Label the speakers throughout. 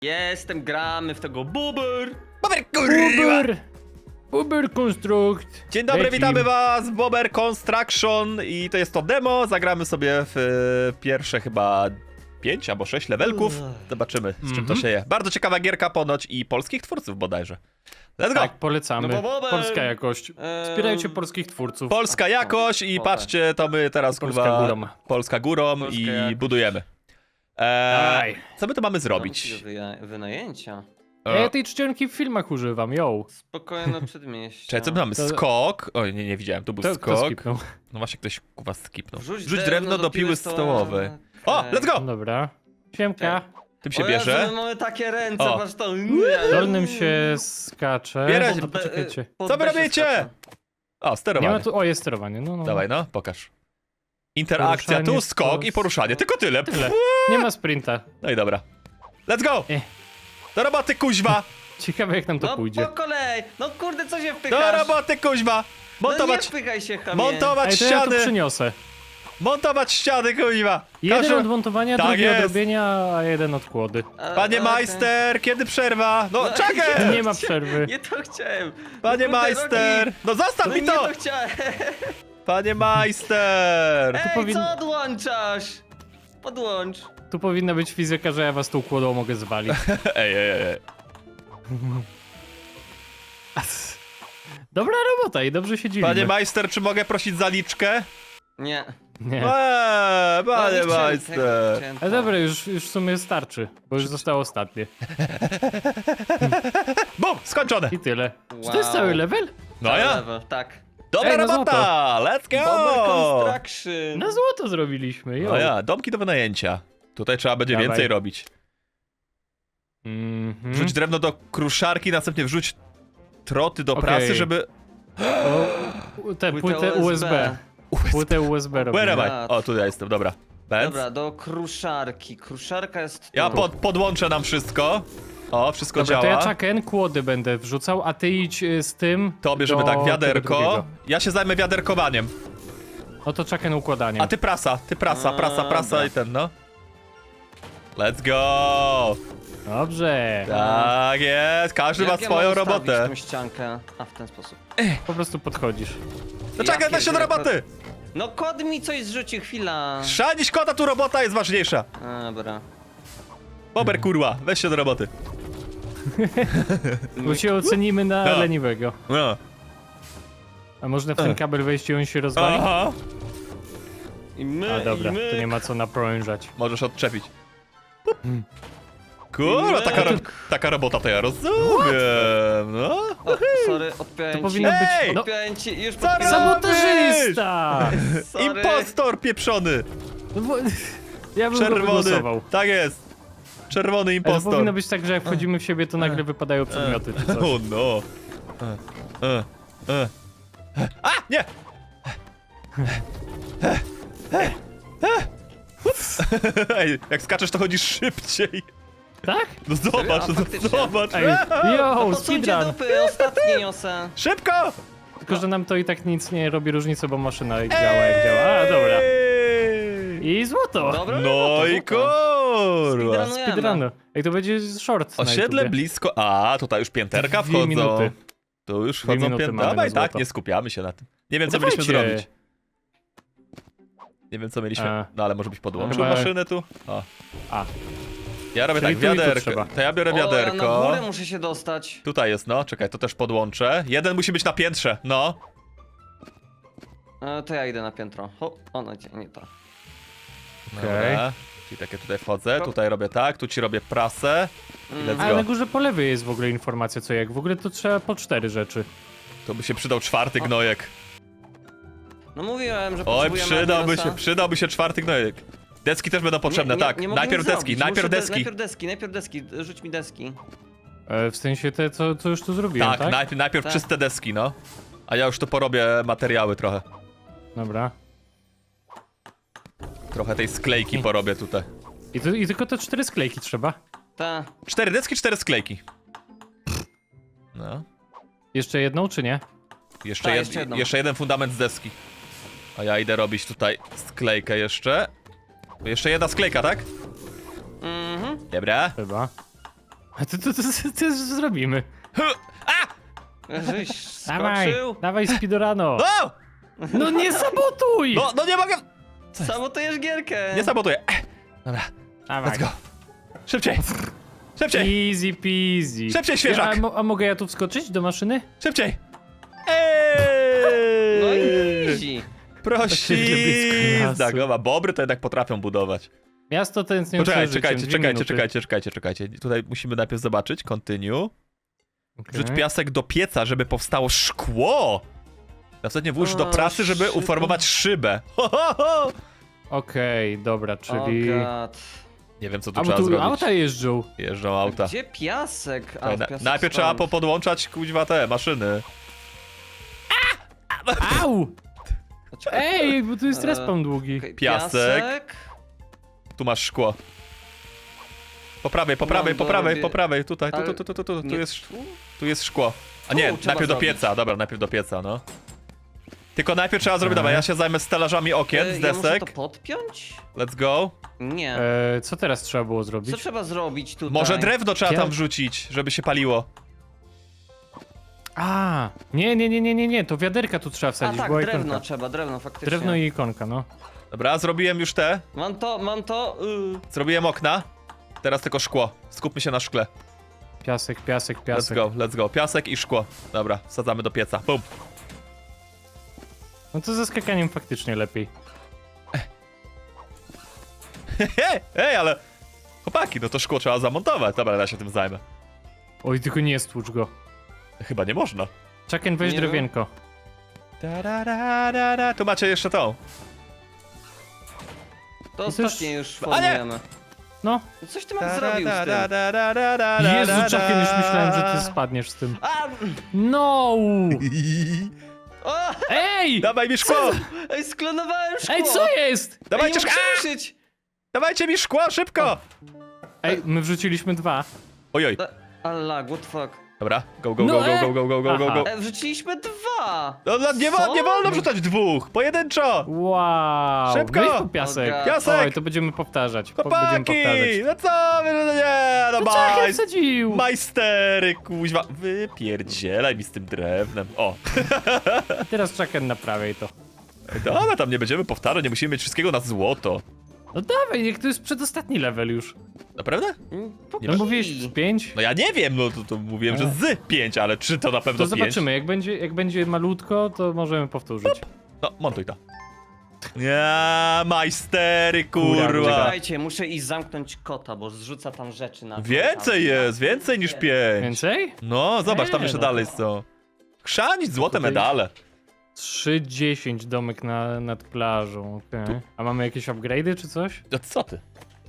Speaker 1: Jestem, gramy w tego Buber.
Speaker 2: Uber Construct.
Speaker 3: Dzień dobry,
Speaker 2: Lecim.
Speaker 3: witamy was w Bober Construction i to jest to demo. Zagramy sobie w pierwsze chyba 5 albo 6 levelków. Zobaczymy, z czym to się je. Bardzo ciekawa gierka ponoć i polskich twórców bodajże. Let's go!
Speaker 2: Tak, polecamy.
Speaker 1: No bo Bober.
Speaker 2: Polska jakość. Wspierajcie polskich twórców.
Speaker 3: Polska jakość i patrzcie, to my teraz
Speaker 2: Polska
Speaker 3: kurwa...
Speaker 2: górą.
Speaker 3: Polska górą
Speaker 1: Polska
Speaker 3: i
Speaker 1: jakość.
Speaker 3: budujemy.
Speaker 2: Daj.
Speaker 3: Co my tu mamy zrobić?
Speaker 1: Wynajęcia.
Speaker 2: Ja tej czcionki w filmach używam, yo.
Speaker 1: Spokojne przedmieście.
Speaker 3: Czekaj, co my mamy?
Speaker 2: To-
Speaker 3: Skok. Oj, nie widziałem, tu był
Speaker 2: Kto
Speaker 3: skok.
Speaker 2: skipnął?
Speaker 3: No właśnie, ktoś kuwa skipnął.
Speaker 1: Wrzuć
Speaker 3: Rzuć drewno do piły stołowej. O, let's go!
Speaker 2: Dobra. Siemka.
Speaker 3: Tym się
Speaker 1: O
Speaker 3: bierze.
Speaker 1: Jezu, my mamy takie ręce,
Speaker 3: O.
Speaker 1: patrz to.
Speaker 2: Dolnym się skacze.
Speaker 3: Bierać-
Speaker 2: No poczekajcie.
Speaker 3: Co wy robicie? O,
Speaker 2: Nie
Speaker 3: sterowanie.
Speaker 2: ma tu... O, jest sterowanie. No.
Speaker 3: Dawaj, no, pokaż. Interakcja, tu
Speaker 2: Poruszanie,
Speaker 3: skok i poruszanie. Tylko tyle.
Speaker 2: Tyle.
Speaker 3: Pff.
Speaker 2: Nie ma sprinta.
Speaker 3: No i dobra. Let's go! Do roboty, kuźwa!
Speaker 2: Ciekawe jak nam to
Speaker 1: No
Speaker 2: pójdzie.
Speaker 1: po kolei. No kurde, co się
Speaker 3: Do
Speaker 1: wpychasz?
Speaker 3: roboty, kuźwa!
Speaker 1: No nie
Speaker 3: Montować,
Speaker 1: wpychaj się, chamie.
Speaker 3: montować
Speaker 2: Ej, to ja to
Speaker 3: ściany!
Speaker 2: przyniosę.
Speaker 3: Montować ściany, kuźwa!
Speaker 2: Jeden
Speaker 3: Każdy-
Speaker 2: od montowania,
Speaker 3: Tak
Speaker 2: drugi
Speaker 3: jest.
Speaker 2: od robienia, a jeden od kłody.
Speaker 3: Panie
Speaker 1: Okej.
Speaker 3: majster, kiedy przerwa? No,
Speaker 1: No,
Speaker 3: czekaj!
Speaker 2: Nie ma przerwy.
Speaker 1: Nie to chciałem.
Speaker 3: Panie
Speaker 1: Kurde,
Speaker 3: majster!
Speaker 1: Rocky.
Speaker 3: No zostaw
Speaker 1: No
Speaker 3: mi
Speaker 1: nie
Speaker 3: to!
Speaker 1: to chciałem.
Speaker 3: Panie majster!
Speaker 1: Ej, co odłączasz? Podłącz.
Speaker 2: Tu powinna być fizyka, że ja was tą kłodą mogę zwalić.
Speaker 3: Ej.
Speaker 2: Dobra robota i dobrze się dziwimy.
Speaker 3: Panie majster, czy mogę prosić zaliczkę?
Speaker 1: Nie.
Speaker 2: Nie.
Speaker 3: Panie
Speaker 1: No, nie chciałem tego,
Speaker 3: majster!
Speaker 1: chciałem
Speaker 2: Ale
Speaker 1: to.
Speaker 2: dobra, już w sumie starczy, bo już zostało ostatnie.
Speaker 3: Bum! Skończone!
Speaker 2: I tyle. Czy to
Speaker 1: Wow.
Speaker 2: jest cały level?
Speaker 3: No ja?
Speaker 1: Level, tak.
Speaker 3: Dobra
Speaker 2: Ej, no
Speaker 3: robota! Let's
Speaker 1: Bomber
Speaker 3: go!
Speaker 1: Construction.
Speaker 2: Na złoto zrobiliśmy, jo.
Speaker 3: No ja, domki do wynajęcia. Tutaj trzeba będzie
Speaker 2: Dawaj.
Speaker 3: więcej robić.
Speaker 2: Mhm.
Speaker 3: Wrzuć drewno do kruszarki, następnie wrzuć troty do
Speaker 2: Okej.
Speaker 3: prasy, żeby...
Speaker 2: O, tę płytę USB. Płytę USB
Speaker 3: Where
Speaker 2: robimy.
Speaker 3: am I?
Speaker 1: Tak.
Speaker 3: O, tutaj jestem, dobra. Benz?
Speaker 1: Dobra, do kruszarki. Kruszarka jest tu.
Speaker 3: Ja podłączę nam wszystko. O, wszystko
Speaker 2: Dobra,
Speaker 3: działa.
Speaker 2: to ja czaken, kłody będę wrzucał, a ty idź z tym
Speaker 3: To bierzemy
Speaker 2: do
Speaker 3: tak,
Speaker 2: tego
Speaker 3: wiaderko.
Speaker 2: drugiego.
Speaker 3: Ja się zajmę wiaderkowaniem.
Speaker 2: No to czaken układaniem.
Speaker 3: A ty prasa prasa
Speaker 1: dobra.
Speaker 3: i ten, no. Let's go!
Speaker 2: Dobrze.
Speaker 3: Tak jest, każdy ma
Speaker 1: Jak ja
Speaker 3: swoją
Speaker 1: mam ustawić
Speaker 3: robotę.
Speaker 1: tą ściankę? A, w ten sposób.
Speaker 2: Po prostu podchodzisz.
Speaker 3: No czekaj,
Speaker 1: Ja
Speaker 3: weź się do
Speaker 1: pierdzielę,
Speaker 3: roboty!
Speaker 1: No kod mi coś zrzuci, chwila.
Speaker 3: Szanić kota, tu robota jest ważniejsza.
Speaker 1: A, dobra.
Speaker 3: Bober, kurwa, weź się do roboty.
Speaker 2: Bo się ocenimy na
Speaker 3: No.
Speaker 2: leniwego.
Speaker 3: No.
Speaker 2: A można w ten kabel wejść i on się rozwali?
Speaker 3: Aha.
Speaker 1: I my,
Speaker 2: A dobra,
Speaker 1: i my.
Speaker 2: to nie ma co naprążać.
Speaker 3: Możesz odczepić. Kurwa,
Speaker 1: I
Speaker 3: taka robota to ja rozumiem, no.
Speaker 1: O, sorry, odpiąłem
Speaker 2: To
Speaker 1: ci.
Speaker 2: powinno być...
Speaker 3: Ej!
Speaker 2: No,
Speaker 1: Odpiąłem ci, już
Speaker 3: Co
Speaker 1: podpisałem.
Speaker 2: sabotażysta!
Speaker 1: Sorry.
Speaker 3: Impostor pieprzony!
Speaker 2: No bo... Ja bym go
Speaker 3: Czerwony,
Speaker 2: wygłosował.
Speaker 3: tak jest. Czerwony
Speaker 2: Ale to
Speaker 3: impostor.
Speaker 2: powinno być tak, że jak wchodzimy w siebie, to nagle wypadają przedmioty czy coś.
Speaker 3: O no. A, nie! Ej, jak skaczesz, to chodzisz szybciej.
Speaker 2: Tak?
Speaker 3: No zobacz,
Speaker 1: A,
Speaker 3: no
Speaker 1: faktycznie.
Speaker 3: zobacz.
Speaker 2: Ej, yo,
Speaker 1: Posujcie
Speaker 2: speedrun!
Speaker 1: dupy, ostatnie niosę.
Speaker 3: Szybko!
Speaker 2: Tylko, że nam to i tak nic nie robi różnicy, bo maszyna działa jak działa. A, dobra.
Speaker 3: Ej!
Speaker 2: I złoto!
Speaker 1: Dobra,
Speaker 3: No i kurwa.
Speaker 1: Speedrunujemy.
Speaker 2: Speedrun. Ej, to będzie short na
Speaker 3: Osiedle
Speaker 2: YouTubie.
Speaker 3: blisko. A, tutaj już pięterka
Speaker 2: 2
Speaker 3: wchodzą.
Speaker 2: minuty.
Speaker 3: Tu już
Speaker 2: 2
Speaker 3: wchodzą
Speaker 2: minuty
Speaker 3: pięterka.
Speaker 2: mamy
Speaker 3: Dawaj,
Speaker 2: na
Speaker 3: tak,
Speaker 2: złoto.
Speaker 3: nie skupiamy się na tym. Nie wiem,
Speaker 2: No
Speaker 3: co mieliśmy
Speaker 2: dawajcie.
Speaker 3: zrobić. Nie wiem, co mieliśmy.
Speaker 2: A.
Speaker 3: No ale może byś podłączył
Speaker 2: Chyba-
Speaker 3: maszynę tu? O.
Speaker 2: A.
Speaker 3: Ja robię
Speaker 2: Czyli
Speaker 3: tak,
Speaker 2: tu i tu
Speaker 3: wiaderko.
Speaker 2: trzeba.
Speaker 3: To ja biorę
Speaker 1: O, ja na
Speaker 3: wiaderko.
Speaker 1: górę muszę się dostać.
Speaker 3: Tutaj jest, no. Czekaj, to też podłączę. Jeden musi być na piętrze, no.
Speaker 1: To ja idę na piętro. O, no nie to.
Speaker 2: Okej.
Speaker 3: Dobra. Czyli takie tutaj wchodzę, tutaj robię tak, tu ci robię prasę. I let's
Speaker 2: Ale na
Speaker 3: go.
Speaker 2: górze po lewej jest w ogóle informacja co jak. W ogóle to trzeba po 4 rzeczy.
Speaker 3: To by się przydał czwarty gnojek.
Speaker 1: No mówiłem, że
Speaker 3: Oj,
Speaker 1: potrzebujemy
Speaker 3: przydałby się czwarty gnojek. Deski też będą potrzebne, tak.
Speaker 1: Nie mogę
Speaker 3: Najpierw
Speaker 1: nic
Speaker 3: deski,
Speaker 1: zrobić.
Speaker 3: najpierw
Speaker 1: Muszę
Speaker 3: deski.
Speaker 1: najpierw deski, rzuć mi deski.
Speaker 2: W sensie te, co już tu zrobiłem, tak?
Speaker 3: Tak, najpierw
Speaker 1: Tak.
Speaker 3: czyste deski, no. A ja już tu porobię materiały trochę.
Speaker 2: Dobra.
Speaker 3: Trochę tej sklejki porobię tutaj.
Speaker 2: I tylko te 4 sklejki trzeba.
Speaker 1: Ta.
Speaker 3: 4 deski, 4 sklejki. No.
Speaker 2: Jeszcze jedną, czy nie?
Speaker 3: Jeszcze,
Speaker 1: jeszcze jedną.
Speaker 3: jeszcze jeden fundament z deski. A ja idę robić tutaj sklejkę jeszcze. Jeszcze jedna sklejka, tak?
Speaker 1: Mhm.
Speaker 3: Dobra.
Speaker 2: Chyba. A to zrobimy.
Speaker 1: Żeś
Speaker 2: Dawaj,
Speaker 1: skoczył.
Speaker 2: dawaj speedorano.
Speaker 3: O!
Speaker 2: No nie sabotuj!
Speaker 3: No nie mogę!
Speaker 1: Sabotujesz gierkę.
Speaker 3: Nie sabotuję. Dobra,
Speaker 2: Dawaj.
Speaker 3: let's go. Szybciej! Szybciej!
Speaker 2: Easy peasy.
Speaker 3: Szybciej, świeżak!
Speaker 2: A mogę ja tu wskoczyć do maszyny?
Speaker 3: Szybciej!
Speaker 1: No
Speaker 3: Eee!
Speaker 1: i easy.
Speaker 3: Prosizda,
Speaker 2: lasu.
Speaker 3: gowa. Bobry to jednak potrafią budować.
Speaker 2: Miasto tęsknię
Speaker 3: Poczekaj,
Speaker 2: za życiem,
Speaker 3: czekajcie. Tutaj musimy najpierw zobaczyć. Continue.
Speaker 2: Okay.
Speaker 3: Wrzuć piasek do pieca, żeby powstało szkło. Następnie włóż do
Speaker 1: O,
Speaker 3: prasy, żeby
Speaker 1: szybko.
Speaker 3: uformować szybę. Ho, ho, ho.
Speaker 2: Okej, dobra, czyli...
Speaker 1: Oh God.
Speaker 3: Nie wiem, co tu
Speaker 2: A bo
Speaker 3: trzeba
Speaker 2: tu
Speaker 3: zrobić.
Speaker 2: auta jeżdżą.
Speaker 3: Jeżdżą auta.
Speaker 1: Gdzie piasek?
Speaker 3: Czekaj,
Speaker 1: piasek
Speaker 3: najpierw trzeba
Speaker 1: stąd.
Speaker 3: podłączać kuźwa te maszyny.
Speaker 2: Au!
Speaker 1: Czekaj,
Speaker 2: Ej, bo tu jest respawn długi.
Speaker 1: okej,
Speaker 3: Piasek. Tu masz szkło. Po prawej, po prawej, po
Speaker 1: No,
Speaker 3: prawej,
Speaker 1: robię-
Speaker 3: po prawej, tutaj,
Speaker 1: Ale
Speaker 3: tu
Speaker 1: Nie,
Speaker 3: jest,
Speaker 1: tu?
Speaker 3: tu jest szkło. A
Speaker 1: Tu
Speaker 3: nie,
Speaker 1: trzeba
Speaker 3: najpierw do
Speaker 1: zrobić.
Speaker 3: pieca, dobra, najpierw do pieca, no. Tylko najpierw trzeba zrobić, dobra, ja się zajmę stelażami okien z
Speaker 1: Ja muszę
Speaker 3: desek.
Speaker 1: to podpiąć?
Speaker 3: Let's go.
Speaker 1: Nie.
Speaker 2: Co teraz trzeba było
Speaker 1: Co
Speaker 2: zrobić?
Speaker 1: trzeba zrobić tutaj?
Speaker 3: Może drewno trzeba
Speaker 2: Ja-
Speaker 3: tam wrzucić, żeby się paliło.
Speaker 2: A, nie, to wiaderka tu trzeba
Speaker 1: A
Speaker 2: wsadzić,
Speaker 1: tak,
Speaker 2: była
Speaker 1: drewno
Speaker 2: ikonka.
Speaker 1: trzeba, drewno faktycznie.
Speaker 2: Drewno i ikonka, no.
Speaker 3: Dobra, zrobiłem już te.
Speaker 1: Mam to.
Speaker 3: Zrobiłem okna. Teraz tylko szkło. Skupmy się na szkle.
Speaker 2: Piasek.
Speaker 3: Let's go. Piasek i szkło. Dobra, wsadzamy do pieca. Bum.
Speaker 2: No to ze skakaniem faktycznie lepiej.
Speaker 3: Ej, ale... Chłopaki, no to szkło trzeba zamontować. Dobra, ja się tym zajmę.
Speaker 2: Oj, tylko nie stłucz go.
Speaker 3: Chyba nie można.
Speaker 2: Czaken, weź
Speaker 1: Nie
Speaker 2: drewienko.
Speaker 3: Tu macie jeszcze tą.
Speaker 1: To
Speaker 2: I to już-
Speaker 1: ostatnie już
Speaker 3: A nie!
Speaker 1: formujemy.
Speaker 2: No.
Speaker 1: Coś ty mam zrobił z tym?
Speaker 2: Jezu, Czaken, już myślałem, że ty spadniesz z tym.
Speaker 1: A!
Speaker 2: No!
Speaker 1: O!
Speaker 2: Ej!
Speaker 3: Dawaj mi szkło!
Speaker 1: Ej, sklonowałem szkło!
Speaker 2: Ej, co jest?
Speaker 3: Dawajcie
Speaker 1: Ej, nie
Speaker 3: szkło!
Speaker 1: mogę ruszyć!
Speaker 3: Dawajcie mi szkło, szybko!
Speaker 2: Ej, my wrzuciliśmy 2.
Speaker 3: Ojoj.
Speaker 1: Allah, what fuck.
Speaker 3: Dobra, go, go,
Speaker 2: No,
Speaker 3: go, go, go, go, go, go, go.
Speaker 1: Wrzuciliśmy 2!
Speaker 3: No, nie
Speaker 1: Co?
Speaker 3: wolno wrzucać dwóch! Pojedynczo!
Speaker 2: Wow!
Speaker 3: Szybko!
Speaker 2: Weź po piasek.
Speaker 1: O,
Speaker 3: Piasek!
Speaker 2: Oj, to będziemy powtarzać. Będziemy
Speaker 3: Chłopaki!
Speaker 2: powtarzać.
Speaker 3: No co wy, no nie, no
Speaker 2: No Czaken wsadził!
Speaker 3: majstery, kuźwa. Wypierdzielaj mi z tym drewnem. O,
Speaker 2: Teraz Czaken naprawiaj to.
Speaker 3: dobra, tam nie będziemy powtarzać, nie musimy mieć wszystkiego na złoto.
Speaker 2: No dawaj, niech to jest przedostatni level już.
Speaker 3: Naprawdę?
Speaker 2: No mówiłeś z 5?
Speaker 3: No ja nie wiem, no to mówiłem, że z 5, ale czy to na pewno
Speaker 2: To
Speaker 3: 5?
Speaker 2: zobaczymy, jak będzie malutko, to możemy powtórzyć.
Speaker 3: No, montuj to. Nie, majstery,
Speaker 2: Kurwa.
Speaker 3: kurwa.
Speaker 1: Czekajcie, muszę iść zamknąć kota, bo zrzuca tam rzeczy na...
Speaker 3: Więcej jest, więcej niż 5.
Speaker 2: Więcej?
Speaker 3: No, zobacz, tam jeszcze
Speaker 2: no
Speaker 3: dalej są. Chrzanić złote
Speaker 2: Tutaj-
Speaker 3: medale.
Speaker 2: 3,10 domek nad plażą, okej. A mamy jakieś upgrade'y czy coś?
Speaker 3: No co ty?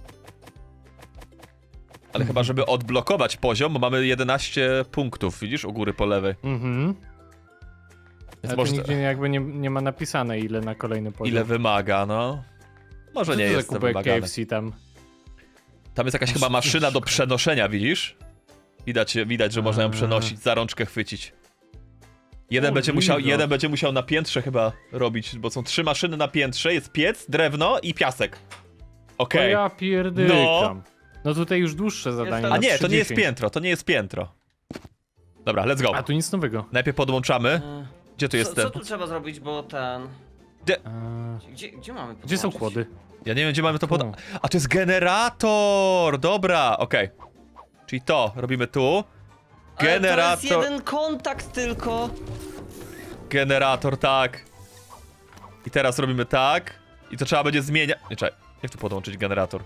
Speaker 3: Ale chyba, żeby odblokować poziom, bo mamy 11 punktów, widzisz, u góry po lewej.
Speaker 2: Mhm.
Speaker 3: Więc
Speaker 2: Ale
Speaker 3: może...
Speaker 2: to nigdzie jakby nie ma napisane ile na kolejny poziom.
Speaker 3: Ile wymaga, no. Może
Speaker 2: Co
Speaker 3: nie
Speaker 2: to za
Speaker 3: jest to
Speaker 2: kubek
Speaker 3: wymagane.
Speaker 2: KFC tam?
Speaker 3: Tam jest jakaś chyba maszyna do przenoszenia, widzisz? Widać, że można ją przenosić, za rączkę chwycić. Jeden będzie musiał na piętrze chyba robić, bo są 3 maszyny na piętrze, jest piec, drewno i piasek.
Speaker 2: O
Speaker 3: Okej.
Speaker 2: ja pierdykam. No tutaj już dłuższe zadanie.
Speaker 1: tam-
Speaker 3: A
Speaker 2: na
Speaker 3: nie, to nie jest
Speaker 2: 3,10.
Speaker 3: piętro, to nie jest piętro. Dobra, let's go.
Speaker 2: A tu nic nowego.
Speaker 3: Najpierw podłączamy. Gdzie tu jest
Speaker 1: Co
Speaker 3: ten?
Speaker 1: tu trzeba zrobić, bo ten... Gdzie mamy
Speaker 2: Gdzie są
Speaker 1: podłączyć?
Speaker 2: kłody?
Speaker 3: Ja nie wiem, gdzie mamy to pod...
Speaker 2: Tu.
Speaker 3: A, to jest generator! Dobra, okej. Czyli to, robimy tu.
Speaker 1: Ale to
Speaker 3: Generator,
Speaker 1: jest jeden kontakt tylko.
Speaker 3: generator, tak. I teraz robimy tak. I to trzeba będzie zmieniać... Nie, czekaj. Jak tu podłączyć generator?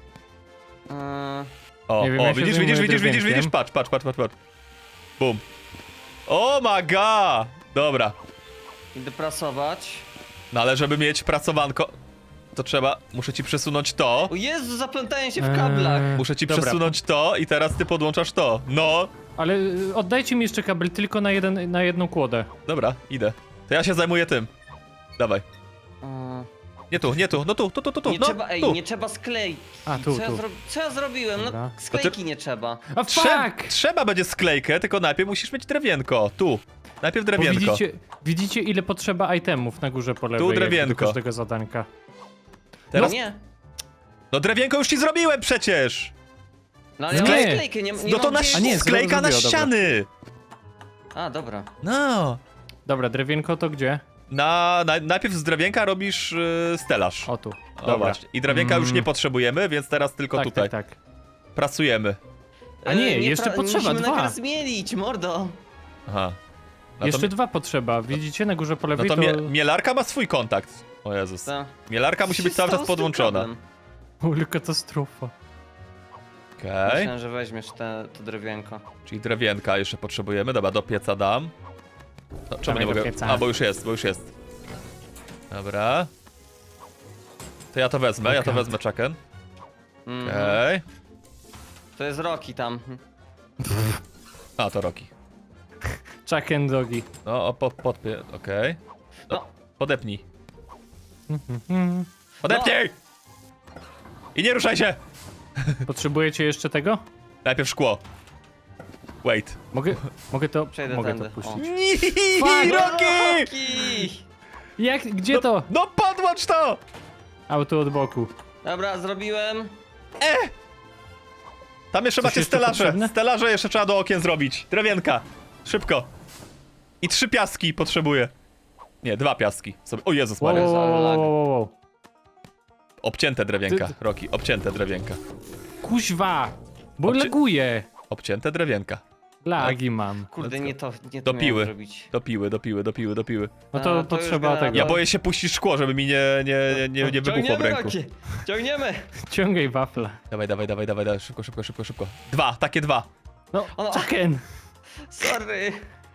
Speaker 3: O,
Speaker 2: Nie wiem, ja się
Speaker 3: widzisz,
Speaker 2: zajmuję
Speaker 3: widzisz,
Speaker 2: drewienkiem.
Speaker 3: patrz. Bum. Oh my god! Dobra.
Speaker 1: Idę prasować.
Speaker 3: No ale żeby mieć pracowanko, to trzeba... Muszę ci przesunąć to.
Speaker 1: O Jezu, zaplątałem się w kablach.
Speaker 3: Muszę ci
Speaker 2: Dobra.
Speaker 3: przesunąć to i teraz ty podłączasz to. No.
Speaker 2: Ale oddajcie mi jeszcze kabel tylko na jedną kłodę.
Speaker 3: Dobra, idę. To ja się zajmuję tym. Dawaj. Nie tu, no tu,
Speaker 1: Nie
Speaker 3: no,
Speaker 1: trzeba,
Speaker 3: tu.
Speaker 1: nie trzeba sklejki.
Speaker 2: A, tu.
Speaker 1: Co ja zrobiłem?
Speaker 2: Dobra.
Speaker 1: No sklejki nie trzeba.
Speaker 2: A fuck!
Speaker 3: Trzeba będzie sklejkę, tylko najpierw musisz mieć drewienko. Tu. Najpierw
Speaker 2: Bo
Speaker 3: drewienko.
Speaker 2: widzicie ile potrzeba itemów na górze po lewej,
Speaker 3: Tu
Speaker 2: jak
Speaker 3: drewienko.
Speaker 2: do każdego zadanka.
Speaker 3: Teraz...
Speaker 1: No nie.
Speaker 3: No drewienko już ci zrobiłem przecież!
Speaker 1: No ale ja mam
Speaker 2: Nie.
Speaker 1: sklejkę, nie
Speaker 3: No to
Speaker 1: mam
Speaker 3: na
Speaker 1: gdzie-
Speaker 2: A nie,
Speaker 3: sklejka na
Speaker 2: zrobiło, dobra.
Speaker 3: ściany!
Speaker 1: A, dobra.
Speaker 3: No.
Speaker 2: Dobra, drewienko to gdzie?
Speaker 3: Najpierw z drewienka robisz stelaż.
Speaker 2: O tu.
Speaker 3: O,
Speaker 2: Dobra.
Speaker 3: właśnie. I drewienka już nie potrzebujemy, więc teraz tylko
Speaker 2: Tak,
Speaker 3: tutaj
Speaker 2: tak, tak.
Speaker 3: pracujemy.
Speaker 2: A nie, jeszcze potrzeba
Speaker 1: musimy
Speaker 2: dwa.
Speaker 1: najpierw zmielić, mordo.
Speaker 3: Aha. No
Speaker 2: Jeszcze
Speaker 3: to,
Speaker 2: dwa potrzeba. Widzicie na górze po
Speaker 3: no
Speaker 2: lewej
Speaker 3: to
Speaker 2: to...
Speaker 3: mielarka ma swój kontakt. O Jezus.
Speaker 1: Co?
Speaker 3: Mielarka musi być cały czas podłączona.
Speaker 2: Ul, katastrofa.
Speaker 3: Okej.
Speaker 1: Myślałem, że weźmiesz to drewienko.
Speaker 3: Czyli drewienka jeszcze potrzebujemy. Dobra, do pieca dam. No, czemu
Speaker 2: Dawaj
Speaker 3: nie
Speaker 2: do
Speaker 3: mogę?
Speaker 2: pieca.
Speaker 3: A, bo już jest. Dobra. To ja to wezmę, ja to
Speaker 2: God.
Speaker 3: wezmę, Chucken.
Speaker 1: Mhm.
Speaker 3: Okej.
Speaker 1: To jest Rocky tam.
Speaker 3: A, to Rocky.
Speaker 2: Chuck and Doggy.
Speaker 3: No, podpie... Okej. No,
Speaker 1: No.
Speaker 3: podepnij. Podepnij! I nie ruszaj się!
Speaker 2: Potrzebujecie jeszcze tego?
Speaker 3: Najpierw szkło. Wait.
Speaker 2: Mogę to...
Speaker 1: Przejdę
Speaker 2: mogę to
Speaker 1: tędy.
Speaker 2: puścić.
Speaker 3: Rocky!
Speaker 1: Rocky!
Speaker 2: Jak? Gdzie to?
Speaker 3: No podłącz to!
Speaker 2: Auto od boku.
Speaker 1: Dobra, zrobiłem.
Speaker 3: Tam jeszcze
Speaker 2: Coś
Speaker 3: macie
Speaker 2: jeszcze
Speaker 3: stelaże.
Speaker 2: potrzebne?
Speaker 3: Stelaże jeszcze trzeba do okien zrobić. Drewienka. Szybko. I 3 piaski potrzebuję. Nie, 2 piaski. Sobie... O Jezus
Speaker 2: Wow,
Speaker 3: Maria.
Speaker 2: wow, wow, wow, wow, wow.
Speaker 3: Obcięte drewienka,
Speaker 2: Ty-
Speaker 3: Rocky. Obcięte drewienka.
Speaker 2: Kuźwa! Bo
Speaker 3: Obcie-
Speaker 2: laguje.
Speaker 3: Obcięte drewienka.
Speaker 2: Lagi mam.
Speaker 1: Kurde,
Speaker 3: Let's
Speaker 1: nie
Speaker 3: go.
Speaker 1: to
Speaker 3: Do
Speaker 1: miałem
Speaker 3: piły.
Speaker 1: zrobić.
Speaker 3: Do piły.
Speaker 2: No
Speaker 1: A,
Speaker 2: to
Speaker 1: to już
Speaker 2: potrzeba
Speaker 1: gra-
Speaker 2: tego.
Speaker 3: Ja boję się puścić szkło, żeby mi nie wybuchło w ręku.
Speaker 1: Rocky! Ciągniemy!
Speaker 2: Ciągaj wafla.
Speaker 3: Dawaj. Szybko. 2, takie 2.
Speaker 2: No,
Speaker 1: Ono-
Speaker 2: Chucken!
Speaker 1: Sorry!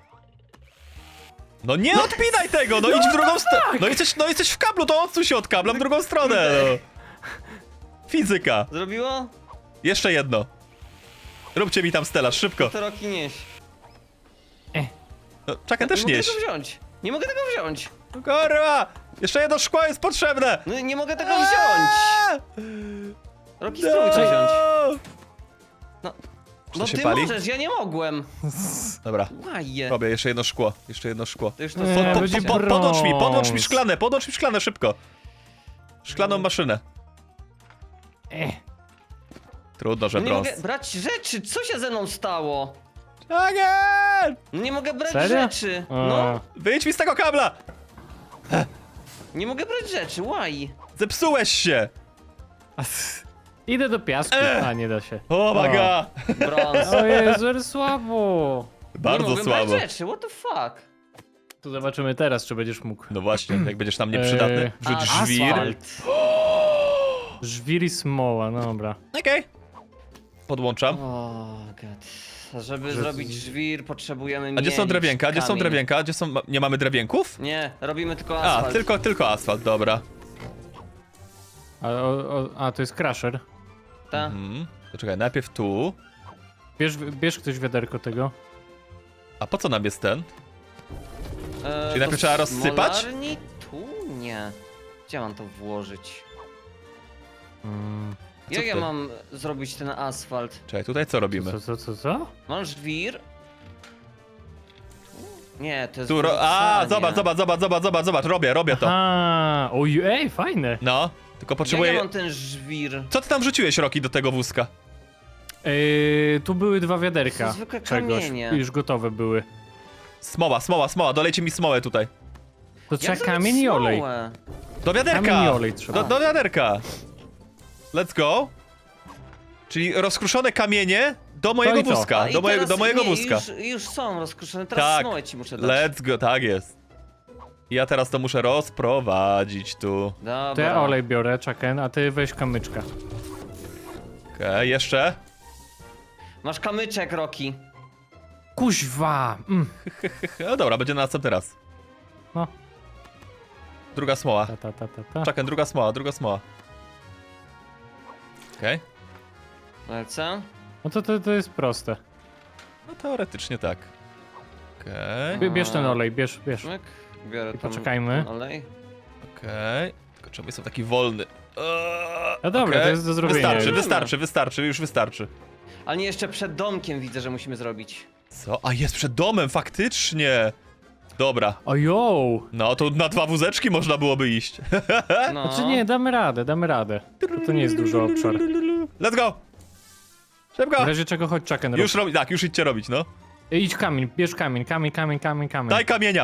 Speaker 3: No nie odpinaj tego, no idź w drugą stronę. No jesteś w kablu, to odsuń się od kabla w drugą stronę, no. Fizyka.
Speaker 1: Zrobiło?
Speaker 3: Jeszcze jedno. Róbcie mi tam stelaż, szybko.
Speaker 1: To Rocky nieś.
Speaker 3: No, czekaj, też
Speaker 1: nie
Speaker 3: nieś.
Speaker 1: mogę tego wziąć! Nie mogę tego wziąć!
Speaker 3: No kurwa! Jeszcze jedno szkło jest potrzebne!
Speaker 1: No nie mogę tego wziąć! Rocky, spróbuj to wziąć. No,
Speaker 3: Czy
Speaker 1: no
Speaker 3: to się
Speaker 1: ty
Speaker 3: pali?
Speaker 1: możesz, ja nie mogłem.
Speaker 3: Dobra,
Speaker 1: Łaje.
Speaker 3: robię jeszcze jedno szkło.
Speaker 1: To już to
Speaker 2: Nie,
Speaker 1: są
Speaker 2: będzie
Speaker 3: Podłącz mi
Speaker 2: brąz.
Speaker 3: szklane, szybko. Szklaną maszynę. Trudno, że
Speaker 1: No nie
Speaker 3: brąz.
Speaker 1: mogę brać rzeczy, co się ze mną stało?
Speaker 3: Again!
Speaker 1: No nie mogę brać
Speaker 2: Serio?
Speaker 1: rzeczy.
Speaker 2: A,
Speaker 1: No,
Speaker 3: Wyjdź mi z tego kabla!
Speaker 1: nie mogę brać rzeczy, why?
Speaker 3: Zepsułeś się!
Speaker 2: Idę do piasku. A, nie da się.
Speaker 3: O my god!
Speaker 1: Brąz.
Speaker 2: O Jezu, ale słabo.
Speaker 1: Nie
Speaker 3: Bardzo
Speaker 1: mogę
Speaker 3: słabo.
Speaker 1: brać rzeczy, what the fuck?
Speaker 2: To zobaczymy teraz, czy będziesz mógł.
Speaker 3: No właśnie, jak będziesz nam nieprzydatny. Wrzuć
Speaker 1: A,
Speaker 3: żwir.
Speaker 1: asfalt.
Speaker 2: Żwir i smoła, no dobra.
Speaker 3: Okej. Podłączam.
Speaker 1: O god. Żeby zrobić żwir, potrzebujemy
Speaker 3: A gdzie są
Speaker 1: mielić
Speaker 3: drewienka? Gdzie są
Speaker 1: kamień.
Speaker 3: drewienka? Gdzie są... Nie mamy drewienków?
Speaker 1: Nie, robimy tylko
Speaker 3: A,
Speaker 1: asfalt.
Speaker 3: tylko asfalt, dobra.
Speaker 2: A, to jest crusher.
Speaker 1: Ta?
Speaker 3: To czekaj, najpierw tu.
Speaker 2: Bierz ktoś wiaderko tego.
Speaker 3: A po co nam jest ten?
Speaker 1: Czyli
Speaker 3: najpierw trzeba rozsypać?
Speaker 1: Smolarni? Tu? Nie. Gdzie mam to włożyć?
Speaker 3: Co
Speaker 1: Jak ja
Speaker 3: ty?
Speaker 1: mam zrobić ten asfalt?
Speaker 3: Czekaj, tutaj co robimy?
Speaker 2: Co?
Speaker 1: Mam żwir? Nie, to jest
Speaker 3: Tu zobacz, robię to.
Speaker 2: A, oj, ej, fajne.
Speaker 3: No, tylko
Speaker 1: Jak
Speaker 3: potrzebuję...
Speaker 1: ja mam ten żwir?
Speaker 3: Co ty tam wrzuciłeś, Rocky, do tego wózka?
Speaker 2: Tu były 2 wiaderka.
Speaker 1: To zwykłe
Speaker 2: czegoś.
Speaker 1: kamienie.
Speaker 2: Już gotowe były.
Speaker 3: Smoła, dolejcie mi smołę tutaj.
Speaker 2: To
Speaker 1: Jak
Speaker 2: trzeba
Speaker 1: zrobić
Speaker 2: kamień i olej.
Speaker 1: smołę?
Speaker 3: Do wiaderka!
Speaker 2: Kamień i olej trzeba.
Speaker 3: Do wiaderka! Let's go. Czyli rozkruszone kamienie do mojego
Speaker 2: i to.
Speaker 3: wózka.
Speaker 1: A, i
Speaker 3: Do
Speaker 1: teraz-
Speaker 3: mojego
Speaker 1: nie,
Speaker 3: wózka.
Speaker 1: Już są rozkruszone, teraz
Speaker 3: Tak.
Speaker 1: smołę ci muszę dać.
Speaker 3: Let's go, tak jest. Ja teraz to muszę rozprowadzić tu.
Speaker 1: Dobra.
Speaker 2: To ja olej biorę, Chucken, a ty weź kamyczka.
Speaker 3: Okej, jeszcze.
Speaker 1: Masz kamyczek, Rocky.
Speaker 2: Kuźwa!
Speaker 3: No dobra, będzie na następny raz.
Speaker 2: No.
Speaker 3: Druga smoła.
Speaker 2: Ta.
Speaker 3: Czekaj, druga smoła. Okej.
Speaker 1: Lecę.
Speaker 2: No to jest proste.
Speaker 3: No teoretycznie tak. Okej.
Speaker 2: Bierz ten olej, bierz.
Speaker 1: Myk. Biorę
Speaker 2: I
Speaker 1: tam
Speaker 2: poczekajmy.
Speaker 1: ten olej.
Speaker 3: Okej. Tylko czemu jestem taki wolny?
Speaker 2: No dobra,
Speaker 3: Okej.
Speaker 2: to jest do zrobienia.
Speaker 3: Wystarczy, wystarczy.
Speaker 1: Ale nie, jeszcze przed domkiem widzę, że musimy zrobić.
Speaker 3: Co? A jest przed domem, faktycznie. Dobra.
Speaker 2: Ojo!
Speaker 3: No to na 2 wózeczki można byłoby iść.
Speaker 1: No.
Speaker 2: Znaczy nie, damy radę. To nie jest duży obszar.
Speaker 3: Let's go!
Speaker 2: W
Speaker 3: Szybko!
Speaker 2: razie czego chodź Chucken
Speaker 3: Już robi, tak, już idźcie robić, no.
Speaker 2: Idź kamień, bierz kamień.
Speaker 3: Daj kamienia!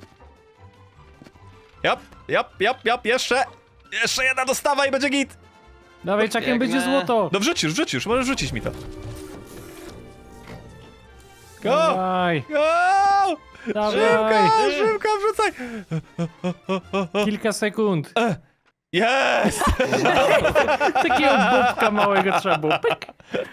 Speaker 3: Jap, jeszcze! Jeszcze jedna dostawa i będzie git!
Speaker 2: Dawaj Chucken,
Speaker 1: Biegnę.
Speaker 2: będzie złoto!
Speaker 3: No wrzuć już, możesz rzucić mi to. Go!
Speaker 2: Dawaj,
Speaker 3: Go!
Speaker 2: dawaj!
Speaker 3: Szybko, wrzucaj!
Speaker 2: Kilka sekund.
Speaker 3: Jest!
Speaker 2: Takiego bobka małego trzeba było. Pyk.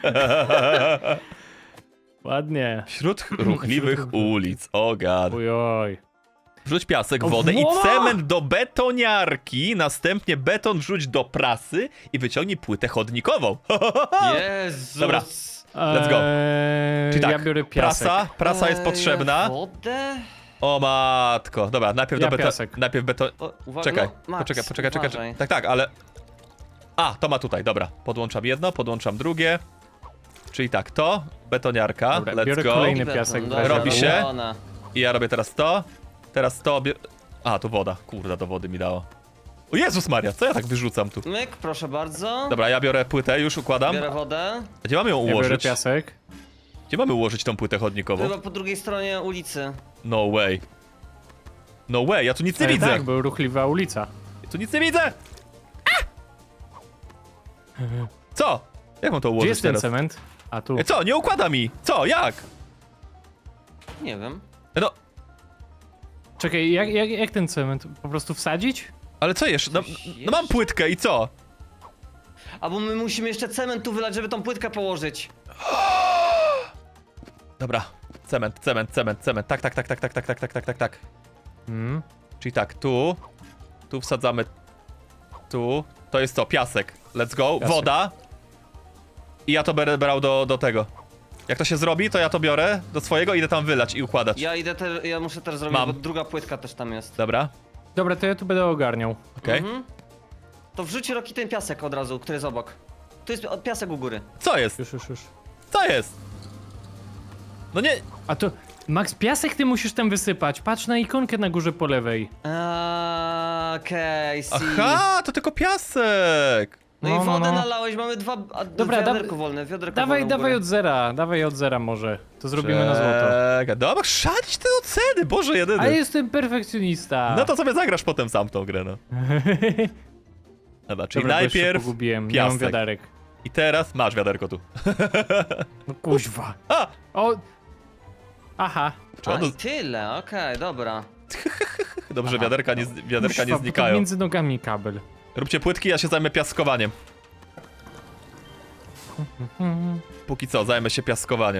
Speaker 2: Ładnie.
Speaker 3: Wśród ruchliwych ulic, o gad.
Speaker 2: Ojoj.
Speaker 3: Wrzuć piasek,
Speaker 2: O,
Speaker 3: wodę i
Speaker 2: woła!
Speaker 3: cement do betoniarki, następnie beton wrzuć do prasy i wyciągnij płytę chodnikową.
Speaker 1: Jezus.
Speaker 3: Dobra. Let's go. Czyli tak,
Speaker 2: Ja biorę piasek.
Speaker 3: prasa jest potrzebna.
Speaker 1: Wodę?
Speaker 3: O matko. Dobra, najpierw
Speaker 2: Ja
Speaker 3: do beton.
Speaker 2: piasek.
Speaker 3: Najpierw beton.
Speaker 1: O, uwaga,
Speaker 3: Czekaj,
Speaker 1: no, Max,
Speaker 3: poczekaj.
Speaker 1: uważaj.
Speaker 3: Tak, ale. A, to ma tutaj, dobra. Podłączam jedno, podłączam drugie. Czyli tak, to, betoniarka,
Speaker 2: Dobra,
Speaker 3: let's
Speaker 2: biorę
Speaker 3: go.
Speaker 2: kolejny
Speaker 1: Beton,
Speaker 2: piasek.
Speaker 1: dobra,
Speaker 2: weź.
Speaker 3: Robi się.
Speaker 1: robiona.
Speaker 3: I ja robię teraz to. Teraz to. A, to woda. Kurde, do wody mi dało. O Jezus Maria, co ja tak wyrzucam tu?
Speaker 1: Myk, proszę bardzo.
Speaker 3: Dobra, ja biorę płytę, już układam.
Speaker 1: Biorę wodę.
Speaker 3: Gdzie mamy ją
Speaker 2: Ja biorę
Speaker 3: ułożyć?
Speaker 2: piasek.
Speaker 3: Gdzie mamy ułożyć tą płytę chodnikową?
Speaker 1: Chyba po drugiej stronie ulicy.
Speaker 3: No way. No way, ja tu nic nie widzę.
Speaker 2: Tak, był ruchliwa ulica.
Speaker 3: Ja tu nic nie widzę. A! Co? Jak mam to
Speaker 2: Gdzie
Speaker 3: ułożyć
Speaker 2: jest ten
Speaker 3: teraz?
Speaker 2: cement? A tu.
Speaker 3: Co? Nie układa mi! Co? Jak?
Speaker 1: Nie wiem.
Speaker 3: No,
Speaker 2: Czekaj, jak ten cement? Po prostu wsadzić?
Speaker 3: ale co jeszcze? No,
Speaker 1: Coś
Speaker 3: no mam płytkę i co?
Speaker 1: A bo my musimy jeszcze cement tu wylać, żeby tą płytkę położyć.
Speaker 3: Dobra. Cement. Tak.
Speaker 2: Hmm.
Speaker 3: Czyli tak, tu. Tu wsadzamy. Tu. To jest to, piasek. Let's go.
Speaker 2: Piasek.
Speaker 3: Woda. I ja to będę brał do tego. Jak to się zrobi, to ja to biorę do swojego, idę tam wylać i układać.
Speaker 1: Ja muszę też zrobić,
Speaker 3: Mam.
Speaker 1: bo druga płytka też tam jest.
Speaker 3: Dobra,
Speaker 2: Dobra, to ja tu będę ogarniał.
Speaker 3: okej.
Speaker 1: Mhm. To wrzuć Roki ten piasek od razu, który jest obok. Tu jest piasek u góry.
Speaker 3: Co jest?
Speaker 2: Już.
Speaker 3: Co jest? No nie.
Speaker 2: A to... Max, piasek ty musisz tam wysypać. Patrz na ikonkę na górze po lewej.
Speaker 1: Okej, see.
Speaker 3: Aha, to tylko piasek.
Speaker 1: No,
Speaker 2: No,
Speaker 1: i
Speaker 2: no,
Speaker 1: wodę
Speaker 2: no.
Speaker 1: nalałeś, mamy
Speaker 2: Dobra,
Speaker 1: wiaderko wolne, wiaderko
Speaker 2: Dawaj
Speaker 1: wolne u
Speaker 2: od zera. Dawaj od zera może. To zrobimy na złoto.
Speaker 3: Czekaj, dobra, szalić te oceny, Boże jedyny.
Speaker 2: A jestem perfekcjonista.
Speaker 3: No to sobie zagrasz potem sam w tą grę, no. Dobra, czyli
Speaker 2: Dobra, bo jeszcze
Speaker 3: najpierw
Speaker 2: pogubiłem. Nie mam
Speaker 3: piasek.
Speaker 2: wiaderek.
Speaker 3: I teraz masz wiaderko tu.
Speaker 2: No kuźwa.
Speaker 3: A!
Speaker 2: O! Aha.
Speaker 3: Czy ono...
Speaker 1: A, i tyle, okej, dobra.
Speaker 3: Dobrze,
Speaker 1: Aha,
Speaker 3: wiaderka nie
Speaker 2: Kuźwa, bo to
Speaker 3: znikają.
Speaker 2: między nogami kabel.
Speaker 3: Róbcie płytki, ja się zajmę piaskowaniem. Póki co, zajmę się piaskowaniem.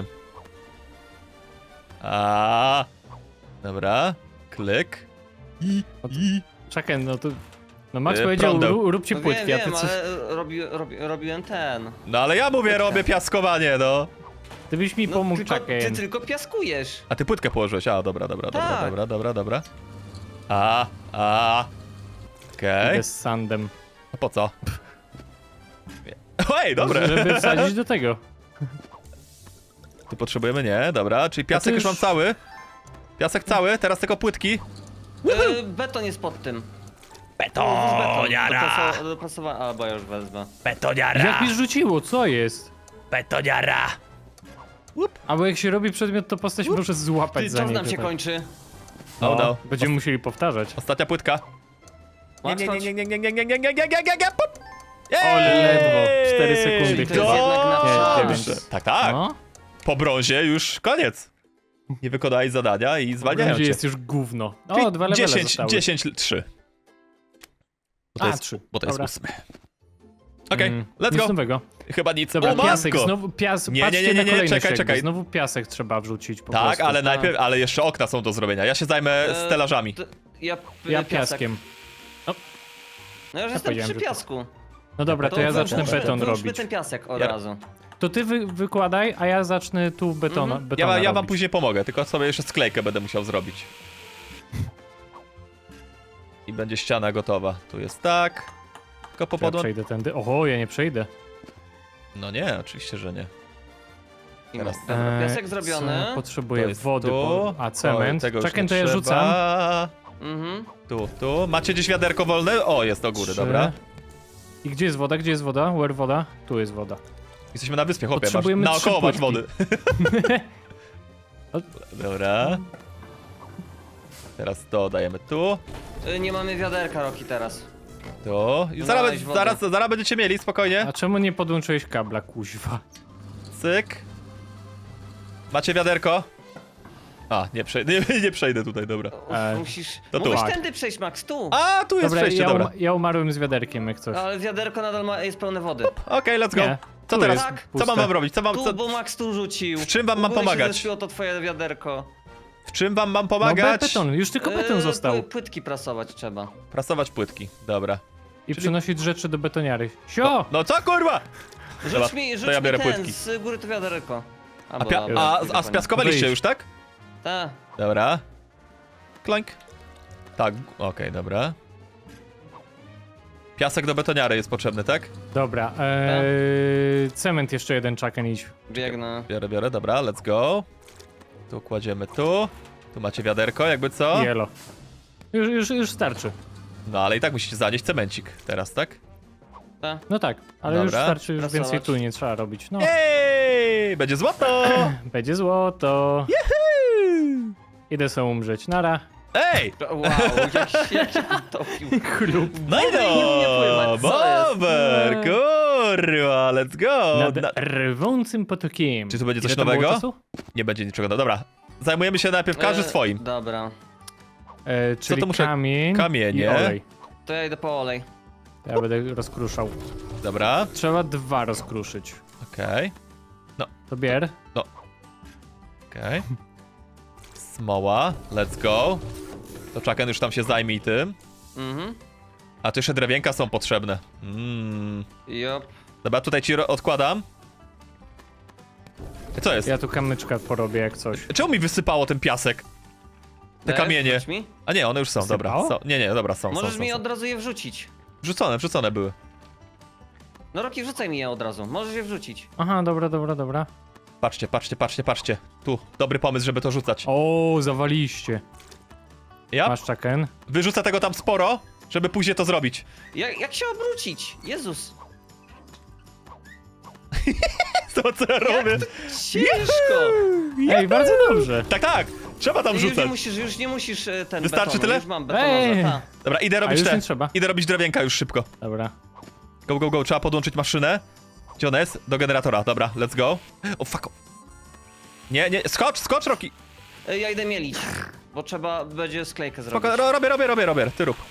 Speaker 3: Dobra. Klik.
Speaker 2: Czekaj, no to... No Max
Speaker 3: E,
Speaker 2: powiedział,
Speaker 3: prądem.
Speaker 2: Róbcie
Speaker 1: No
Speaker 2: płytki,
Speaker 1: wiem,
Speaker 2: a ty coś...
Speaker 1: ale robiłem ten.
Speaker 3: No ale ja mówię, robię piaskowanie, no.
Speaker 2: Ty byś mi
Speaker 1: No,
Speaker 2: pomógł,
Speaker 1: tylko, ty
Speaker 2: Chucken.
Speaker 1: tylko piaskujesz.
Speaker 3: A ty płytkę położyłeś, a dobra.
Speaker 1: Tak.
Speaker 3: Dobra. Okej.
Speaker 2: Idę z sandem.
Speaker 3: A po co? Ej, dobre.
Speaker 2: Żeby wsadzić do tego.
Speaker 3: Tu potrzebujemy, nie, dobra, czyli piasek już
Speaker 2: już-
Speaker 3: mam cały. Piasek cały, teraz tylko płytki.
Speaker 1: Beton jest pod tym.
Speaker 3: Betoniara!
Speaker 1: Dopasowa... Albo ja już wezmę.
Speaker 3: Betoniara!
Speaker 2: Jak mi rzuciło, co jest?
Speaker 3: Betoniara!
Speaker 2: Albo jak się robi przedmiot, to postać może złapać
Speaker 1: Ty,
Speaker 2: za
Speaker 1: czas
Speaker 2: niego.
Speaker 1: nam się
Speaker 2: tak.
Speaker 1: kończy.
Speaker 3: Oh no.
Speaker 2: Będziemy musieli powtarzać.
Speaker 3: Ostatnia płytka.
Speaker 1: Max, chodź.
Speaker 3: Pup.
Speaker 2: Ale ledwo, 4
Speaker 3: Jej!
Speaker 2: sekundy
Speaker 1: To jest jednak na
Speaker 2: Nie,
Speaker 1: czas.
Speaker 2: 9.
Speaker 3: Tak.
Speaker 2: No,
Speaker 3: Po brązie już koniec. Nie wykonałeś zadania i zwalniają
Speaker 2: gdzie
Speaker 3: cię.
Speaker 2: jest już gówno.
Speaker 3: Czyli
Speaker 2: O, 2 levele zostały.
Speaker 3: 10-3. Bo to
Speaker 2: A,
Speaker 3: jest,
Speaker 2: 3.
Speaker 3: bo to jest
Speaker 2: Dobra.
Speaker 3: 8. Okej, let's
Speaker 2: Nic
Speaker 3: go.
Speaker 2: nowego.
Speaker 3: Chyba nic.
Speaker 2: Dobra,
Speaker 3: O,
Speaker 2: piasek,
Speaker 3: matko!
Speaker 2: znowu piasek.
Speaker 3: Nie,
Speaker 2: Patrzcie
Speaker 3: nie,
Speaker 2: na kolejność
Speaker 3: czekaj,
Speaker 2: jakby.
Speaker 3: czekaj.
Speaker 2: Znowu piasek trzeba wrzucić po
Speaker 3: Tak,
Speaker 2: prostu.
Speaker 3: ale najpierw, ale jeszcze okna są do zrobienia. Ja się zajmę stelażami.
Speaker 1: Ja
Speaker 2: Ja
Speaker 1: piasek.
Speaker 2: piaskiem.
Speaker 1: No ja już jestem
Speaker 2: powiedziałem,
Speaker 1: przy
Speaker 2: że to-
Speaker 1: piasku.
Speaker 2: No dobra, to ja zacznę
Speaker 1: włóżmy-
Speaker 2: beton
Speaker 1: włóżmy
Speaker 2: robić.
Speaker 1: ten piasek od
Speaker 3: Ja-
Speaker 1: razu.
Speaker 2: To ty wykładaj, a ja zacznę tu betona
Speaker 3: Ja wam
Speaker 2: robić.
Speaker 3: później pomogę, tylko sobie jeszcze sklejkę będę musiał zrobić. I będzie ściana gotowa. Tu jest tak. Tylko
Speaker 2: Ja
Speaker 3: popodłą...
Speaker 2: przejdę tędy. Oho, ja nie przejdę.
Speaker 3: No nie, oczywiście, że nie.
Speaker 1: I
Speaker 3: Teraz.
Speaker 1: dobra, piasek zrobiony.
Speaker 2: Co?
Speaker 3: To
Speaker 2: Potrzebuję
Speaker 3: jest
Speaker 2: wody,
Speaker 3: tu.
Speaker 2: a cement.
Speaker 3: Tego już
Speaker 2: Czekaj,
Speaker 3: nie
Speaker 2: to ja
Speaker 3: trzeba.
Speaker 2: rzucam.
Speaker 1: Mhm.
Speaker 3: Tu. Macie gdzieś wiaderko wolne? O, jest do góry,
Speaker 2: 3.
Speaker 3: dobra.
Speaker 2: I gdzie jest woda? Gdzie jest woda? Where woda? Tu jest woda.
Speaker 3: Jesteśmy na wyspie, chłopie, masz,
Speaker 2: Potrzebujemy
Speaker 3: naokoło
Speaker 2: 3
Speaker 3: masz wody. Dobra. Teraz to dajemy tu.
Speaker 1: Nie mamy wiaderka, Roki, teraz.
Speaker 3: Tu. I
Speaker 1: No,
Speaker 3: zaraz,
Speaker 1: dałeś wodę.
Speaker 3: zaraz będziecie mieli, spokojnie.
Speaker 2: A czemu nie podłączyłeś kabla, kuźwa?
Speaker 3: Cyk. Macie wiaderko? A, nie przejdę tutaj, dobra.
Speaker 1: Musisz...
Speaker 3: to tu.
Speaker 1: Mógłbyś
Speaker 2: Tak.
Speaker 1: tędy przejść, Max, tu.
Speaker 3: A, tu jest
Speaker 2: Dobra,
Speaker 3: przejście, dobra.
Speaker 2: ja umarłem z wiaderkiem, jak coś.
Speaker 1: Ale wiaderko nadal jest pełne wody.
Speaker 3: Okej, let's go.
Speaker 2: Nie,
Speaker 3: Co
Speaker 2: tu
Speaker 3: teraz?
Speaker 2: jest
Speaker 1: Tak.
Speaker 3: Co mam
Speaker 2: puste.
Speaker 3: robić? Co mam,
Speaker 1: Tu,
Speaker 3: co,
Speaker 1: bo Max tu rzucił.
Speaker 3: w czym wam mam
Speaker 1: U góry się
Speaker 3: pomagać?
Speaker 1: zespiło to twoje wiaderko.
Speaker 3: w czym wam mam
Speaker 2: No
Speaker 3: pomagać?
Speaker 2: beton, już tylko beton został.
Speaker 1: Płytki prasować trzeba.
Speaker 3: Prasować płytki, dobra.
Speaker 2: I przynosić rzeczy do betoniary. Sio!
Speaker 3: No co kurwa? Dobra,
Speaker 1: Rzuć mi,
Speaker 3: to ja biorę
Speaker 1: ten,
Speaker 3: płytki.
Speaker 1: z góry to wiaderko.
Speaker 3: A spiaskowaliście już, tak?
Speaker 1: Tak.
Speaker 3: Dobra. Kloink. Tak, okej, dobra. Piasek do betoniary jest potrzebny, tak?
Speaker 2: Dobra, cement jeszcze jeden, czaken idź.
Speaker 1: Biegnę.
Speaker 3: Biorę, dobra, let's go. Tu kładziemy tu. Tu macie wiaderko, jakby co?
Speaker 2: Jelo. Już starczy.
Speaker 3: No ale i tak musicie zanieść cemencik teraz, tak?
Speaker 1: Tak.
Speaker 2: No tak, ale już
Speaker 3: Dobra.
Speaker 2: starczy, już
Speaker 1: Prasować.
Speaker 2: więcej tu nie trzeba robić. No,
Speaker 3: Ej, będzie złoto!
Speaker 2: będzie złoto. Idę sobie umrzeć. Nara.
Speaker 3: Ej!
Speaker 1: Wow, jak się utopił.
Speaker 3: No i
Speaker 1: nie umie pływać, co jest?
Speaker 3: Bober, kurwa, let's go!
Speaker 2: Nad rwącym potokiem.
Speaker 3: Czy tu będzie coś
Speaker 2: Ile to było
Speaker 3: nowego?
Speaker 2: czasu?
Speaker 3: Nie będzie niczego, no dobra. Zajmujemy się najpierw każdy swoim.
Speaker 1: Dobra.
Speaker 2: Czyli
Speaker 3: to muszę-
Speaker 2: kamień
Speaker 3: kamienie.
Speaker 2: i olej.
Speaker 1: To ja idę po olej.
Speaker 2: Ja będę rozkruszał.
Speaker 3: Dobra,
Speaker 2: Trzeba 2 rozkruszyć.
Speaker 3: okej,
Speaker 2: To bier.
Speaker 3: okej. Smoła, let's go. To Chucken już tam się zajmie i tym.
Speaker 1: Mhm.
Speaker 3: A tu jeszcze drewienka są potrzebne.
Speaker 1: Jop.
Speaker 3: Dobra, tutaj ci odkładam. Co jest?
Speaker 2: Ja tu kamyczka porobię jak coś.
Speaker 3: Czemu mi wysypało ten piasek? Te
Speaker 1: Dajesz,
Speaker 3: kamienie.
Speaker 1: wrzuć mi?
Speaker 3: A nie, one już są, dobra.
Speaker 2: Wysypało?
Speaker 3: Nie, dobra, są.
Speaker 1: Możesz
Speaker 3: są,
Speaker 1: mi
Speaker 3: są.
Speaker 1: od razu je wrzucić.
Speaker 3: Wrzucone były.
Speaker 1: No Roki, wrzucaj mi je od razu. Możesz je wrzucić.
Speaker 2: Aha, dobra.
Speaker 3: Patrzcie. Tu, dobry pomysł, żeby to rzucać.
Speaker 2: O, zawaliście.
Speaker 3: Ja
Speaker 2: Masz czaken?
Speaker 3: wyrzucę tego tam sporo, żeby później to zrobić.
Speaker 1: Jak się obrócić? Jezus.
Speaker 3: To co ja robię?
Speaker 1: Ciężko.
Speaker 2: Ej, bardzo dobrze.
Speaker 3: Tak, trzeba tam
Speaker 1: Już
Speaker 3: rzucać.
Speaker 1: nie musisz ten
Speaker 3: Wystarczy
Speaker 1: betonu.
Speaker 3: tyle?
Speaker 1: Już mam
Speaker 2: Ej.
Speaker 1: betonowe, ta.
Speaker 3: Dobra, idę robić
Speaker 2: już
Speaker 3: te.
Speaker 2: nie trzeba.
Speaker 3: Idę robić drewienka już szybko.
Speaker 2: Dobra.
Speaker 3: Go, trzeba podłączyć maszynę. Gdzie ona jest? Do generatora, dobra, let's go. O fuck. Nie, skocz Roki.
Speaker 1: Ja idę mielić, bo trzeba będzie sklejkę zrobić.
Speaker 3: Spoko, robię, ty rób.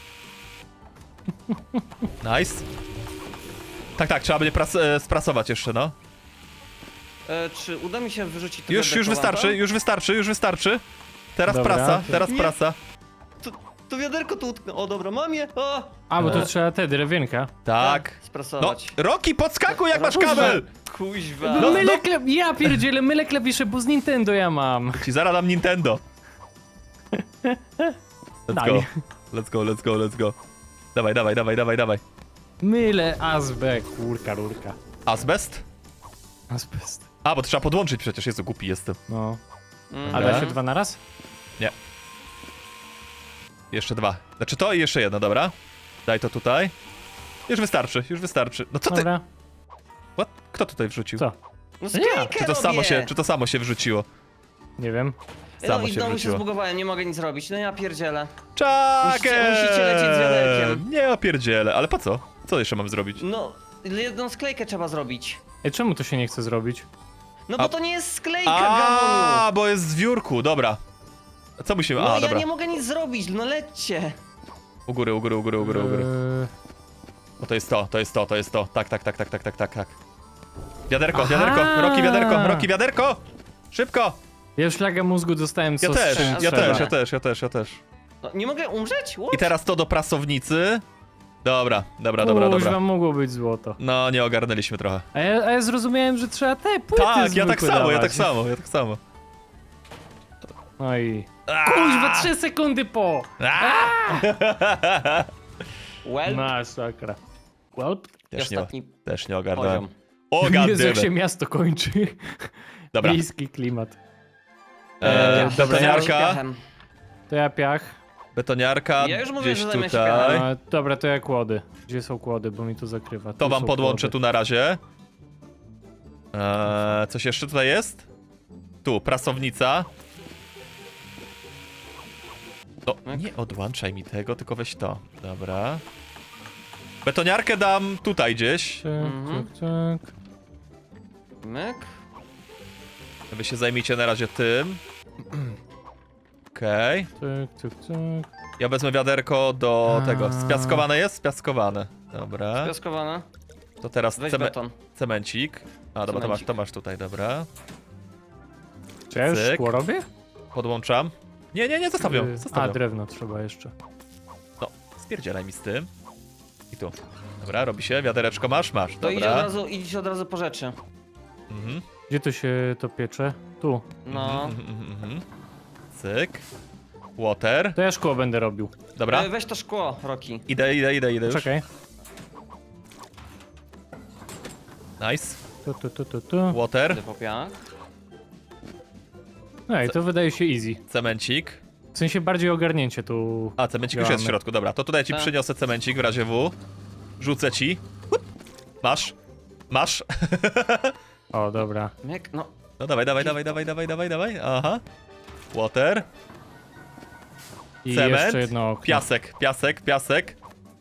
Speaker 3: Nice. Tak, trzeba będzie sprasować jeszcze, no.
Speaker 1: Czy uda mi się wyrzucić to
Speaker 3: Już wystarczy. Teraz
Speaker 2: Dobra.
Speaker 3: prasa,
Speaker 1: Nie.
Speaker 3: prasa.
Speaker 1: To wiaderko tu utknę. O dobra, mam je. O!
Speaker 2: A, bo tu trzeba te drewienka.
Speaker 3: Tak. No,
Speaker 1: Sprasować.
Speaker 3: Roki, podskakuj jak masz
Speaker 1: Kuźwa.
Speaker 3: kabel!
Speaker 1: Kuźwa.
Speaker 3: No,
Speaker 2: Mylę klep... Ja pierdzielę, mylę klawisze, bo z Nintendo ja mam.
Speaker 3: Ci zaraz dam Nintendo.
Speaker 2: Daj.
Speaker 3: Let's go. Dawaj.
Speaker 2: Mylę azbę, rurka.
Speaker 3: Azbest?
Speaker 2: Azbest.
Speaker 3: A, bo to trzeba podłączyć przecież, Jezu, głupi jestem.
Speaker 2: No.
Speaker 1: Mhm.
Speaker 2: A da się 2 na raz?
Speaker 3: Jeszcze 2. Znaczy to i jeszcze jedno, dobra. Daj to tutaj. Już wystarczy. No co ty?
Speaker 2: Dobra.
Speaker 3: What? Kto tutaj wrzucił?
Speaker 2: Co?
Speaker 1: No sklejkę
Speaker 3: Czy to samo się wrzuciło?
Speaker 2: Nie wiem.
Speaker 3: Samo
Speaker 1: no i
Speaker 3: się
Speaker 1: znowu się
Speaker 3: wrzuciło.
Speaker 1: zbugowałem, nie mogę nic robić. No ja pierdzielę.
Speaker 3: Czakę!
Speaker 1: Musicie lecieć z wiaderkiem.
Speaker 3: Nie opierdzielę, ale po co? Co jeszcze mam zrobić?
Speaker 1: No, jedną sklejkę trzeba zrobić.
Speaker 2: Ej, czemu to się nie chce zrobić?
Speaker 1: No
Speaker 3: A-
Speaker 1: bo to nie jest sklejka, Gamoniu.
Speaker 3: A, bo jest z wiórku, dobra. Co musimy?
Speaker 1: No
Speaker 3: A,
Speaker 1: ja
Speaker 3: dobra.
Speaker 1: nie mogę nic zrobić, no lećcie.
Speaker 3: U góry. O, to jest to. Tak. Wiaderko.
Speaker 2: Aha!
Speaker 3: Roki, wiaderko! Szybko!
Speaker 2: Ja już laga mózgu dostałem, co
Speaker 3: Ja
Speaker 2: z czym
Speaker 3: też.
Speaker 2: trzeba.
Speaker 1: No, nie mogę umrzeć? What?
Speaker 3: I teraz to do prasownicy. Dobra.
Speaker 2: Kuźwa, mogło być złoto.
Speaker 3: No, nie ogarnęliśmy trochę.
Speaker 2: A ja zrozumiałem, że trzeba te płyty
Speaker 3: Tak, ja tak
Speaker 2: zwykłe
Speaker 3: samo,
Speaker 2: dawać. No i...
Speaker 3: Aaa!
Speaker 2: Kuźwa, 3 sekundy po!
Speaker 1: Well,
Speaker 2: Masakra. Well,
Speaker 3: Też nie,
Speaker 1: ostatni
Speaker 3: też nie ogarnąłem.
Speaker 1: poziom.
Speaker 3: O,
Speaker 2: Jezu, jak się
Speaker 3: goddammit.
Speaker 2: miasto kończy.
Speaker 3: Dobra.
Speaker 2: Miejski klimat.
Speaker 3: Betoniarka.
Speaker 2: To ja piach.
Speaker 3: Betoniarka
Speaker 1: Ja już mówię,
Speaker 3: gdzieś
Speaker 1: że zajmę się
Speaker 3: tutaj.
Speaker 1: piachem.
Speaker 2: Dobra, to ja kłody. Gdzie są kłody, bo mi to zakrywa.
Speaker 3: To wam
Speaker 2: są
Speaker 3: podłączę
Speaker 2: kłody.
Speaker 3: tu na razie. Coś jeszcze tutaj jest? Tu, prasownica. To nie odłączaj mi tego, tylko weź to. Dobra. Betoniarkę dam tutaj gdzieś.
Speaker 2: Tak.
Speaker 1: Myk.
Speaker 3: Wy się zajmijcie na razie tym. Okej.
Speaker 2: Tak.
Speaker 3: Ja wezmę wiaderko do tego. Spiaskowane jest? Spiaskowane. Dobra.
Speaker 1: Piaskowana.
Speaker 3: To teraz
Speaker 1: Weź beton.
Speaker 3: cemencik. A, dobra,
Speaker 1: Cemencik.
Speaker 3: to masz tutaj, dobra.
Speaker 2: Czy ja już
Speaker 3: Cyk.
Speaker 2: szkło robię?
Speaker 3: Podłączam. Nie, zostaw ją. Zostaw
Speaker 2: A,
Speaker 3: ją.
Speaker 2: drewno trzeba jeszcze.
Speaker 3: No, spierdzielaj mi z tym. I tu. Dobra, robi się. Wiadereczko masz? Masz.
Speaker 1: To
Speaker 3: Dobra.
Speaker 1: idź od razu po rzeczy.
Speaker 3: Mhm.
Speaker 2: Gdzie to się to piecze? Tu.
Speaker 1: No.
Speaker 3: Mhm. Cyk. Water.
Speaker 2: To ja szkło będę robił.
Speaker 3: Dobra.
Speaker 1: Weź to szkło, Roki.
Speaker 3: Idę już.
Speaker 2: Czekaj.
Speaker 3: Nice.
Speaker 2: Tu.
Speaker 3: Water.
Speaker 1: Idę po piach.
Speaker 2: No i to wydaje się easy.
Speaker 3: Cemencik.
Speaker 2: W sensie bardziej ogarnięcie tu.
Speaker 3: A, cemencik już jest w
Speaker 2: Działamy.
Speaker 3: środku, dobra. To tutaj ci
Speaker 1: Tak.
Speaker 3: przyniosę cemencik w razie W. Rzucę ci. Hup. Masz.
Speaker 2: O, dobra.
Speaker 1: Myk, no.
Speaker 3: No dawaj. Aha. Water.
Speaker 2: I
Speaker 3: Cement.
Speaker 2: jeszcze jedno okno.
Speaker 3: Piasek.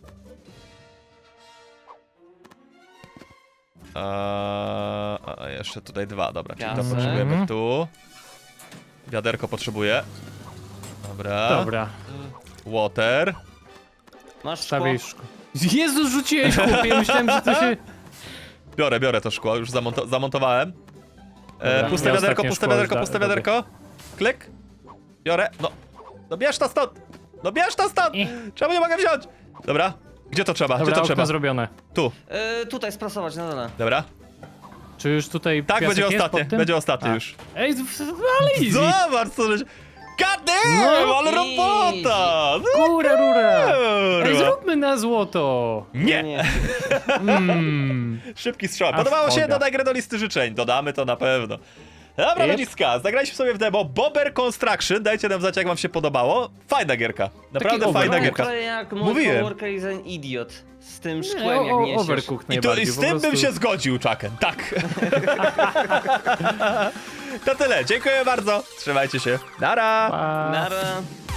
Speaker 3: A jeszcze tutaj dwa, dobra, czyli to
Speaker 1: Piasek.
Speaker 3: potrzebujemy tu. Wiaderko potrzebuję. Dobra.
Speaker 2: Dobra.
Speaker 3: Water.
Speaker 1: Masz szkło.
Speaker 2: Stawiaj szkło. Jezu, rzuciłeś chłopie, myślałem, że to się...
Speaker 3: Biorę to szkło, już zamontowałem.
Speaker 2: Dobra,
Speaker 3: Puste
Speaker 2: ja
Speaker 3: wiaderko,
Speaker 2: ostatnie
Speaker 3: puste
Speaker 2: szkło
Speaker 3: wiaderko,
Speaker 2: już
Speaker 3: puste
Speaker 2: robię.
Speaker 3: wiaderko. Klik. Biorę, no bierz to stąd! No bierz to stąd! Czemu nie mogę wziąć? Dobra, gdzie to trzeba?
Speaker 2: Dobra,
Speaker 3: Gdzie to
Speaker 2: okno
Speaker 3: trzeba?
Speaker 2: zrobione.
Speaker 3: Tu,
Speaker 1: Tutaj sprasować na dole.
Speaker 3: dobra.
Speaker 2: Czy już tutaj
Speaker 3: Tak,
Speaker 2: piasek
Speaker 3: będzie
Speaker 2: jest
Speaker 3: ostatnie,
Speaker 2: pod tym?
Speaker 3: będzie ostatnie
Speaker 2: A.
Speaker 3: już.
Speaker 2: Ej, ale easy.
Speaker 3: Zobacz co żeś... God damn,
Speaker 2: No,
Speaker 3: ale robota!
Speaker 2: Kura, rura. Ej,
Speaker 3: Kurwa.
Speaker 2: zróbmy na złoto.
Speaker 3: Nie! Szybki strzał.
Speaker 2: A
Speaker 3: Podobało się?
Speaker 2: szkoda.
Speaker 3: Dodaj grę do listy życzeń. Dodamy to na pewno. Dobra,
Speaker 2: Yep.
Speaker 3: ludziska, zagraliśmy sobie w demo Bobber Construction. Dajcie nam znać, jak wam się podobało. Fajna gierka. Naprawdę
Speaker 2: Taki
Speaker 3: fajna
Speaker 2: overcooked.
Speaker 3: gierka.
Speaker 1: To jak mój
Speaker 3: Mówiłem.
Speaker 1: coworker is an idiot. Z tym szkłem jak niesiesz.
Speaker 2: Overcooked
Speaker 3: I
Speaker 2: najbardziej.
Speaker 3: z
Speaker 2: po
Speaker 3: tym bym
Speaker 2: prostu.
Speaker 3: się zgodził, Chucken. Tak. To tyle. Dziękuję bardzo. Trzymajcie się. Nara!
Speaker 2: Pa.
Speaker 1: Nara.